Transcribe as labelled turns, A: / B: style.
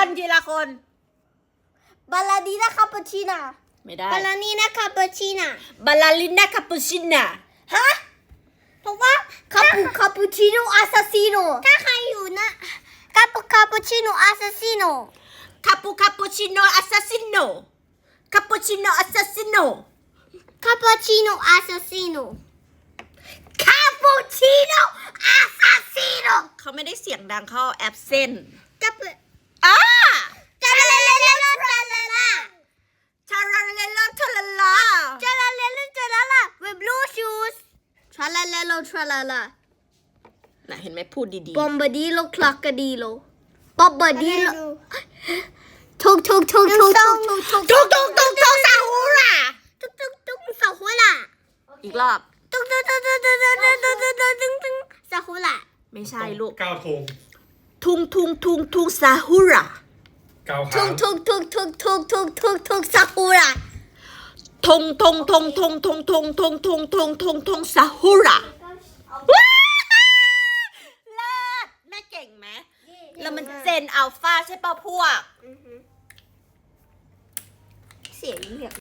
A: นทีละคน
B: บาลาดีนาคาปูชิน่า
A: ไม่ได้
B: บาลานีนาคาปูชิน่า
A: บาลาลิน่าคาปูชิน่า
B: ฮะถูกปะคาปูชิโนอาซาซิโนถ้าใครอยู่นะคาปูชิโนอาซาซิโน
A: คาปูชิโนอาซาซิโนคาปูชิโนอาซาซิโน
B: คาปูชิโนอาซาซิโนคาปูชิโนอาซาซิโน
A: เขาไม่ได้เสียงดังเขาแอบเซน
B: จะเปิด
A: อ่า
B: จาลาเลเลลาลาลาลา
A: ชาลาเลลาชาลาลา
B: จาลาเลเลจาลาลา with blue shoes ทราลาเลโลทราลาลา
A: น่ะเห็นไหมพูดดี
B: บอมบาดีโลคลักกาดีโลบอมบาดีโลทุกซาฮูราทุกซาฮูรา
A: ๆอีกรอบ
B: ทุกซาฮูรา
A: ไม่ใช่ลูก
C: ก้าวธง
A: ทุงซาฮูรา
C: ก้าว
B: ทุ
C: ค้าง
B: กซาฮูรา
A: ทงซาฮูราว้าวเลิศแม่เก่งไหมแล้วมันเจนอัลฟาใช่ป่ะพวก
B: เสียงเนี่ย